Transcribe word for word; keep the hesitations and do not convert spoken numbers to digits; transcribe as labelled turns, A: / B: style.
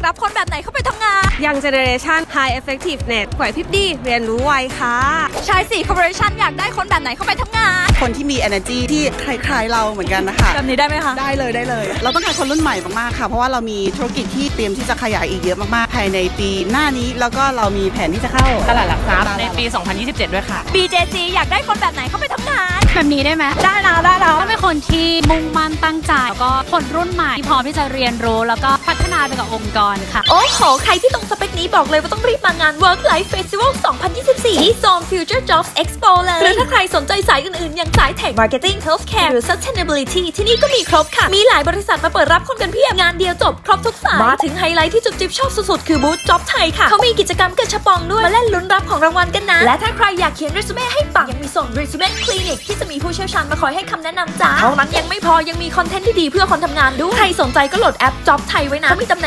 A: รับคนแบบไหนเข้าไปทำงาน
B: ยังเจเนเรชัน High Effectiveness ไหวพริบดีเรียนรู้ไวค่ะ
A: ชายสี่ corporation อยากได้คนแบบไหนเข้าไปทำงาน
C: คนที่มี energy ที่คล้ายๆเราเหมือนกันนะคะ
A: แบบนี้ได้ไหมคะ
C: ได้เลยได้เลย เราต้องการคนรุ่นใหม่มากๆค่ะ เพราะว่าเรามีธุรกิจที่เตรียมที่จะขยายอีกเยอะมากๆภายในปีหน้านี้แล้วก็เรามีแผนที่จะเข้า
D: ตลาดหลักทรัพย์ในปี สองพันยี่สิบเจ็ด ด้วยค่ะ
A: บี เจ ซี อยากได้คนแบบไหนเข้าไปทำงาน
E: แบบนี้ได้ไหม
A: ได้นะได้นะ
E: ต้องเป็นคนที่มุ่งมั่นตั้งใจ แล้วก็คนรุ่นใหม่ที่พร้อมที่จะเรียนรู้ แล้วก็พัฒนาไปกับองค์กรค่ะ
A: โอ้โห ใครที่ตรงสเปคนี้บอกเลยว่าต้องรีบมางาน Work Life Festival สองพันยี่สิบสี่ ที่ Zone Future Jobs Expo เลย หรือถ้าใครสนใจสายอื่นๆ อย่างสาย Tech Marketing Healthcare หรือ Sustainability ที่นี่ก็มีครบค่ะ มีหลายบริษัทมาเปิดรับคนกันเพียบ งานเดียวจบครบทุกสาย มาถึงไฮไลท์ที่จุ๊บจิ๊บชอบสุดๆ คือบูธ Job ไทยค่ะ เขามีกิจกรรมกระชับปองด้วย มาเล่นลุ้นรับของรางวัลกันนะ และถ้าใครอยากเขียนเรซูเม่ให้ปังยังมีส่ง Resume Clinic ที่จะมีผู้เชี่ยวชาญมาคอยให้คำแนะนำจ้าเท่านั้นยังไม่พอยังมีคอนเทนต์ที่ดีเพื่อคนทำงานด้วยใครสนใจก็โหลดแอป Job ไทยไว้นะเขามีตำแหน่ง